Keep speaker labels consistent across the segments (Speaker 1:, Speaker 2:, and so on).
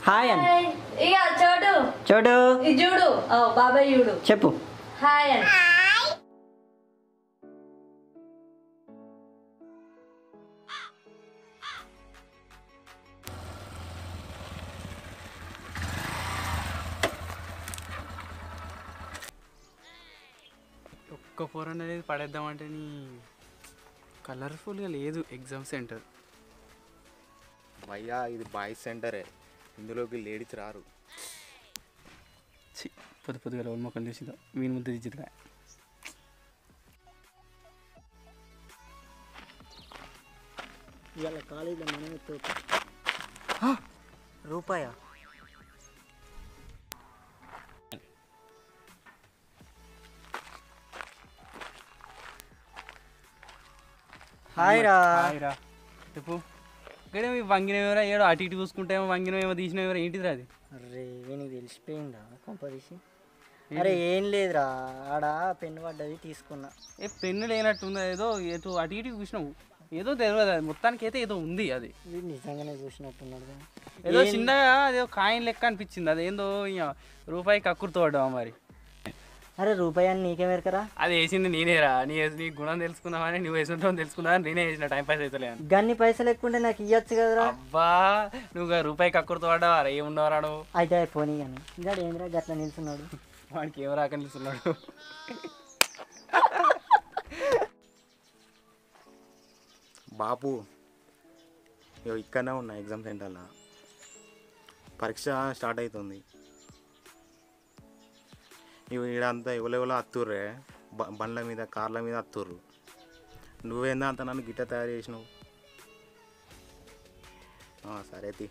Speaker 1: Hi అని
Speaker 2: ఇక చోటు
Speaker 1: చోటు
Speaker 2: ఇది చూడు బాబాయ్ చూడు
Speaker 1: చెప్పు.
Speaker 2: హాయ్ అని.
Speaker 3: ఒక్క ఫోర్ అనేది పడేద్దామంటే నీ కలర్ఫుల్గా లేదు ఎగ్జామ్ సెంటర్.
Speaker 4: భయ్యా ఇది బాయ్స్ సెంటరే, ఇందులోకి లేడీస్ రారు.
Speaker 3: పొద్దు పొద్దుగా లోన్ మొక్కలు చూసిందా వీని ముద్ద దిద్దుగా.
Speaker 1: ఇవాళ కాలేజీలో మనమే రూపాయ హాయ్ రా.
Speaker 3: చెప్పు ఇక్కడ వంగినవేమరా ఏడో అటు ఇటు చూసుకుంటేమో వంగినవేమో తీసినవేమరా ఏంటిది అది?
Speaker 1: అరే నీకు తెలిసిపోయిందా కొంపదీసి? అరే ఏం లేదురా, ఆడ పెన్ను పడ్డది తీసుకున్నా.
Speaker 3: ఏ పెన్ను లేనట్టుందా? ఏదో ఏదో అటు ఇటు చూసినావు ఏదో తెలియదు అది, మొత్తానికి అయితే ఏదో ఉంది అది.
Speaker 1: వీడు నిజంగానే చూసినట్టున్నాడు.
Speaker 3: ఏదో చిన్నగా అదేదో కాయిన్ లెక్క అనిపించింది, అదేందో రూపాయికి కక్కుర్తో పడ్డావా మరి?
Speaker 1: అరే రూపాయి అని నీకే మెరకరా?
Speaker 3: అది వేసింది నేనేరా, నీ గుణం తెలుసుకుందామని నువ్వు వేసుకుంటావు తెలుసుకుందామని నేనే వేసిన, టైం పాస్ అవుతలే అని.
Speaker 1: గన్ని పైసలు ఎక్కుంటే నాకు ఇవ్వచ్చు కదరా.
Speaker 3: అబ్బా నువ్వు రూపాయికి కక్కుర్తో పడ్డావా? ఏమున్నావరా నువ్వు?
Speaker 1: అయితే పోనీ కానీ ఇంకా ఏంద్రా గట్లా నిల్చున్నాడు.
Speaker 3: వాడికి ఏం రాక నిలుస్తున్నాడు.
Speaker 4: బాపు ఇక్కడనే ఉన్నా ఎగ్జామ్ సెంటర్లో, పరీక్ష స్టార్ట్ అవుతుంది. ఇవి ఈడంతా ఎవరెవరో అత్తుర్రే, బండ్ల మీద కార్ల మీద అత్తుర్రు. నువ్వేందా అంత నన్ను గిట్ట తయారు చేసినావు? సరే తీ,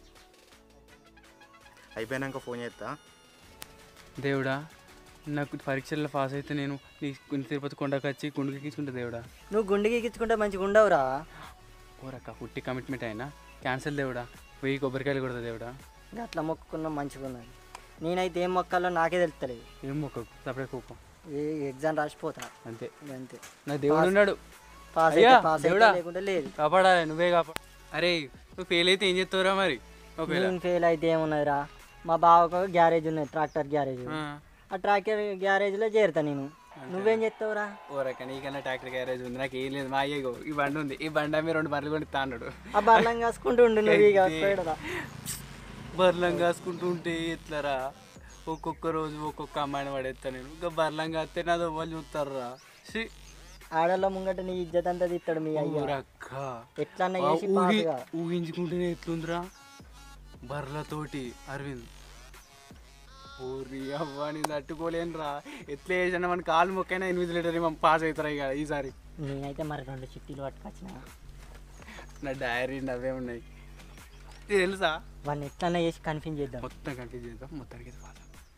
Speaker 4: అయిపోయినాక ఫోన్ చేస్తా.
Speaker 3: దేవుడా నాకు పరీక్షల్లో పాస్ అయితే నేను తిరుపతి కొండకు వచ్చి గుండుకి ఎక్కించుకుంటా. దేవుడా
Speaker 1: నువ్వు గుండెకి ఎక్కించుకుంటే మంచిగా ఉండవురా.
Speaker 3: ఓరక్క పుట్టి కమిట్మెంట్ అయినా క్యాన్సిల్. దేవుడా 1000 కొబ్బరికాయలు కొడతా. దేవుడా
Speaker 1: అట్లా మొక్కుకున్నా మంచిగా ఉన్నది. నేనైతే ఏం మొక్కాలో నాకే తెలుస్తలేదు.
Speaker 3: ఏం మొక్కకు సపరేట్ కూకం,
Speaker 1: ఏ ఎగ్జామ్ రాసిపోతా
Speaker 3: అంతే
Speaker 1: అంతే.
Speaker 3: నా దేవుడు ఉన్నాడు.
Speaker 1: పాస్
Speaker 3: అయ్యా,
Speaker 1: అయితే పాస్
Speaker 3: దేవుడా.
Speaker 1: లేకుంటే లేదు.
Speaker 3: కాపాడాలి, నువ్వే కాపాడు. అరే నువ్వు ఫెయిల్ అయితే ఏం చేస్తావురా మరి? ఒకవేళ
Speaker 1: నేను ఫెయిల్ అయితే ఏమున్నదిరా, మా బావకు గ్యారేజ్ ఉన్నది, ట్రాక్టర్ గ్యారేజ్. ఆ ట్రాక్టర్ గ్యారేజ్లో చేరుతా నేను. నువ్వేం చేస్తావురా?
Speaker 3: ఓరక్క నీకన్నా ట్రాక్టర్ గ్యారేజ్ ఉంది, నాకు ఏం లేదు. మా అయ్యగో ఈ బండి ఉంది, ఈ బండి అమ్మి 2 బర్రెలు కొని తాన్నాడు.
Speaker 1: ఆ బల్లం కాసుకుంటూ ఉండు నువ్వు. ఇక పోయాడురా.
Speaker 3: బర్లం కాసుకుంటూ ఉంటే ఎట్లరా? ఒక్కొక్క రోజు ఒక్కొక్క అమ్మాయిని పడేస్తా నేను. ఇంకా బర్లం కాస్తే నాది వాళ్ళు చూస్తారా?
Speaker 1: ఆడల్లో ముంగట నీ ఇజ్జత్ అంతా తీస్తాడు మీ అయ్య. ఎట్లన్నా చేసి పాసుగా.
Speaker 3: ఊహించుకుంటేనే ఎట్లుందిరా బర్లతోటి అరవింద్. ఊరి అవ్వని తట్టుకోలేను రా. ఎట్లా చేసినా మన కాలు మొక్కైనా 8 లీటర్ పాస్ అవుతారా ఇక ఈసారి.
Speaker 1: నేనైతే మరి 2 చిట్టీలు పట్టుకొచ్చిన.
Speaker 3: నా డైరీ అవే ఉన్నాయి తెలుసా.
Speaker 1: వాడిని ఎట్లన్నా చేసి కన్ఫ్యూజ్ చేద్దాం.
Speaker 3: మొత్తం కన్ఫ్యూజ్ చేద్దాం, మొత్తానికి పాస్.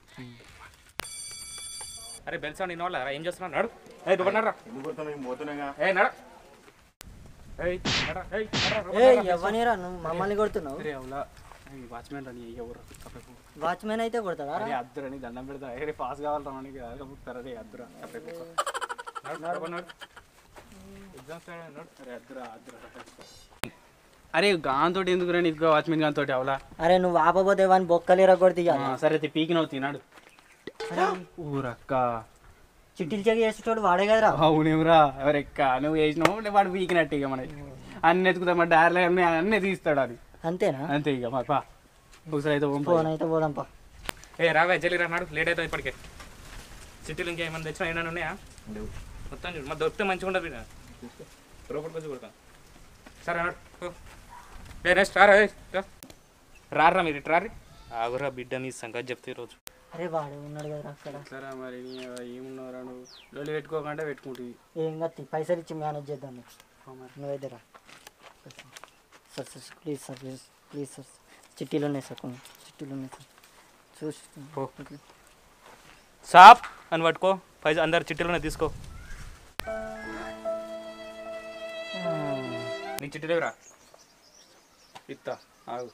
Speaker 5: అరే బెల్సా నేను వాళ్ళ ఏం చేస్తున్నాడు? నడు
Speaker 1: ఎవరిరా నువ్వు మమ్మల్ని కొడుతున్నావు?
Speaker 3: వాచ్మెన్ రాని ఎవరు
Speaker 1: వాచ్మెన్ అయితే కొడతాడా?
Speaker 3: అద్దరని దండం పెడతా. అరే పాస్ కావాలి రానికి అడుగుతారా? రే అద్దరా అరే గాంతో ఎందుకు రా నీకు వాచ్మెన్ గాంతో అవలా?
Speaker 1: అరే నువ్వు ఆపబోతే వాడిని బొక్కలేరా కొడితే.
Speaker 3: సరే పీకినవు తినాడు. ఊరక్క
Speaker 1: చిట్టీలు చెక్ చేసేటోడు వాడే కదరా.
Speaker 3: అవునేమరా ఎవరెక్క నువ్వు వేసినావు వాడు పీకినట్టు. ఇక మనకి అన్ని ఎత్తుకుతా మన డైర్లు అన్నీ తీస్తాడు అది.
Speaker 1: అంతేనా?
Speaker 3: అంతే ఇక మా పా ఒకసారి అయితే
Speaker 1: ఫోన్ అయితే పోదాంపా.
Speaker 5: ఏ రావే జల్లి రా, నాడు లేట్ అవుతుంది ఇప్పటికే. సిటీలు ఇంకేమైనా తెచ్చినా ఏమైనా ఉన్నాయా? మొత్తం చూడు, మా దొరికితే మంచిగా ఉండదు. రోపడికి వచ్చి కొడతాను. సరే అన్నాడు నెక్స్ట్ రారా మీరు ఇటు రారి. ఆగురా బిడ్డ నీ సంగతి చెప్తే ఈరోజు.
Speaker 1: అరే వాడు ఉన్నాడు కదా అక్కడ.
Speaker 3: సరే మరి ఏమున్నారా నువ్వు లొల్లి పెట్టుకోకుండా పెట్టుకుంటుంది.
Speaker 1: ఏం కత్తి పైసలు ఇచ్చి మేనేజ్ చేద్దాం. నువ్వైతే రా sir. Sir please sir, please sir. చిట్టీలు ఉన్నాయి సార్, కొన్ని చిట్టీలు ఉన్నాయి సార్. చూసి
Speaker 5: సాప్ అని పట్టుకో, పైసా అందరు చిట్టీలోనే తీసుకో. నీ చిట్టి లేవురా ఇత్తా ఆగు.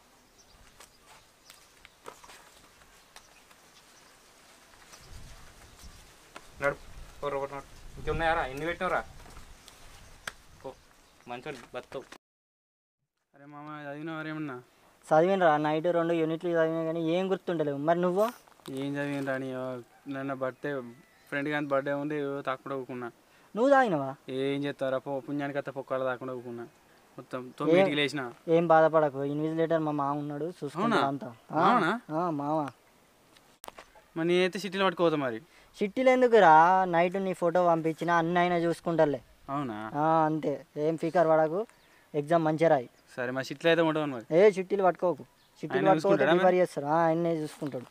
Speaker 5: నడు ఒకటి నాడు ఇంకెన్నాయారా? ఎన్ని పెట్టినవరా? ఓ మంచి బతావు.
Speaker 3: అరే మామ చదివినావారేమన్నా?
Speaker 1: చదివినరా నైట్ 2 యూనిట్లు చదివినా కానీ ఏం గుర్తుండలేవు. మరి నువ్వు
Speaker 3: ఏం చదివిన రాని నన్ను బర్త్డే ఫ్రెండ్ కానీ బర్త్డే ఉంది తాకుండా ఊకున్నా.
Speaker 1: నువ్వు తాగినవా?
Speaker 3: ఏం చేస్తారా పుణ్యానికి అత్త పొక్కలు తాకుండా ఊకున్నా. మొత్తం 9కి లేచిన.
Speaker 1: ఏం బాధపడకు, ఇన్విజిలేటర్ మా మామ ఉన్నాడు చూసుకున్నా అంతా. మామ
Speaker 3: మరి నేనైతే సిటీలో పట్టుకోతా. మరి
Speaker 1: చిట్టీలు ఎందుకురా, నైట్ నీ ఫోటో పంపించిన అన్ని అయినా చూసుకుంటాలే.
Speaker 3: అవునా?
Speaker 1: అంతే, ఏం ఫికర్ పడకు, ఎగ్జామ్ మంచిగా రాయి.
Speaker 3: సరే మా సిటీలో అయితే ఉంటాను. మరి
Speaker 1: చిట్టీలు పట్టుకోకు, చిట్టీలు పట్టుకోకపోతే ప్రిపేర్ చేస్తారు. ఆయన్నే చూసుకుంటాడు.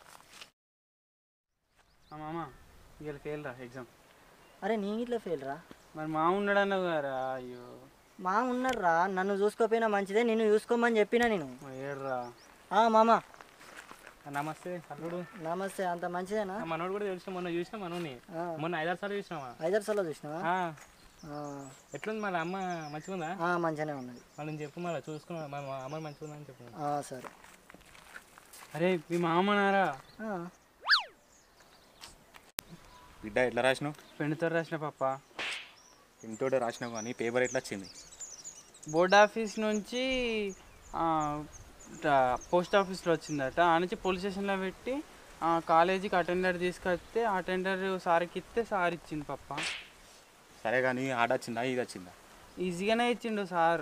Speaker 3: మామ ఇవాళ ఫెయిల్ రా ఎగ్జామ్.
Speaker 1: అరే నీ ఇట్లా ఫెయిల్ రా?
Speaker 3: మరి మా ఉన్నాడు అన్నావు కదా. అయ్యో
Speaker 1: మా ఉన్నాడు రా, నన్ను చూసుకోపోయినా మంచిదే, నిన్ను చూసుకోమని చెప్పినా నేను.
Speaker 3: ఏడ్రా
Speaker 1: మామ
Speaker 5: నమస్తే అల్లుడు.
Speaker 1: నమస్తే. అంత మంచిదేనా?
Speaker 5: మనోడు కూడా తెలిసిన, మొన్న చూసినా మనోని. మొన్న 5-6 సార్లు చూసినావా?
Speaker 1: 5-6 సార్లు చూసినావా?
Speaker 5: ఎట్లుంది మళ్ళీ అమ్మ మంచిగా ఉందా?
Speaker 1: మంచిగానే ఉన్నది.
Speaker 5: మళ్ళీ చెప్పు, మళ్ళీ చూసుకున్నా అమ్మ మంచిగా ఉందని చెప్పు.
Speaker 1: సరే.
Speaker 3: అరే మీ మామనారా?
Speaker 4: బిడ్డ ఎట్లా రాసినావు?
Speaker 3: పెన్నుతో రాసిన పాప.
Speaker 4: ఇంటోటే రాసినావు కానీ పేపర్ ఎట్లా వచ్చింది?
Speaker 3: బోర్డ్ ఆఫీస్ నుంచి పోస్ట్ ఆఫీస్లో వచ్చిందట. ఆ నుంచి పోలీస్ స్టేషన్లో పెట్టి కాలేజీకి అటెండర్ తీసుకొస్తే అటెండర్ సార్కి ఇస్తే సార్ ఇచ్చింది పప్ప.
Speaker 4: సరే కానీ ఆడ వచ్చిందా ఇది వచ్చిందా?
Speaker 3: ఈజీగానే ఇచ్చిండు సార్.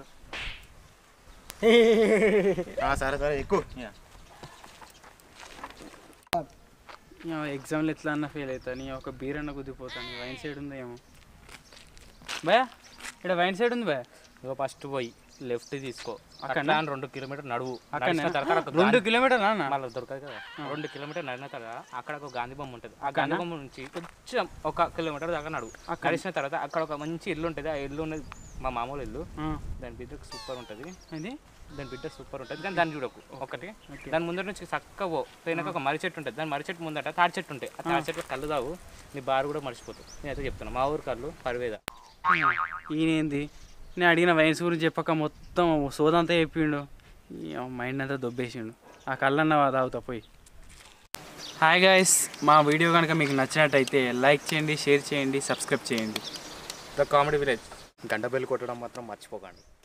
Speaker 4: సరే సరే ఎక్కువ.
Speaker 3: ఎగ్జామ్లో ఎట్లా అన్నా ఫెయిల్ అవుతాను. ఒక బీర్ అన్న కుదిపోతాను. వైన్ సైడ్ ఉందా ఏమో భయ? ఇక్కడ వైన్ సైడ్ ఉంది భయ.
Speaker 5: ఇగో ఫస్ట్ పోయి లెఫ్ట్ తీసుకో, అక్కడ 2 కిలోమీటర్ నడువు.
Speaker 3: 2 కిలోమీటర్
Speaker 5: మళ్ళీ దొరకదు కదా. 2 కిలోమీటర్ నడిన తర్వాత అక్కడ ఒక గాంధీ బొమ్మ ఉంటుంది. ఆ గాంధీ బొమ్మ నుంచి కొంచెం 1 కిలోమీటర్ దాకా నడువు. నడిచిన తర్వాత అక్కడ ఒక మంచి ఇల్లు ఉంటుంది. ఆ ఇల్లు ఉన్నది మా మామూలు ఇల్లు. దాని బిడ్డకు సూపర్ ఉంటుంది. దాని బిడ్డ సూపర్ ఉంటుంది కానీ దాన్ని చూడకు. ఒకటి దాని ముందర నుంచి చక్కగా పోయినాక ఒక మర్రి చెట్టు ఉంటుంది. దాని మర్రి చెట్టు ముందట తాడి చెట్టు ఉంటాయి. ఆ తాడి చెట్టు కళ్ళు తావు, నీ బారు కూడా మర్చిపోతావు. నేనైతే చెప్తాను, మా ఊరు కళ్ళు పర్వేద.
Speaker 3: ఈయనేంది నేను అడిగిన వైన్స్ గురించి చెప్పక మొత్తం సోదంతా చెప్పిండు. మైండ్ అంతా దొబ్బేసిండు. ఆ కళ్ళన్న తాగుతా పోయి. హాయ్ గాయస్, మా వీడియో కనుక మీకు నచ్చినట్టయితే లైక్ చేయండి, షేర్ చేయండి, సబ్స్క్రైబ్ చేయండి.
Speaker 5: The comedy village.
Speaker 4: గంట బెల్ కొట్టడం మాత్రం మర్చిపోకండి.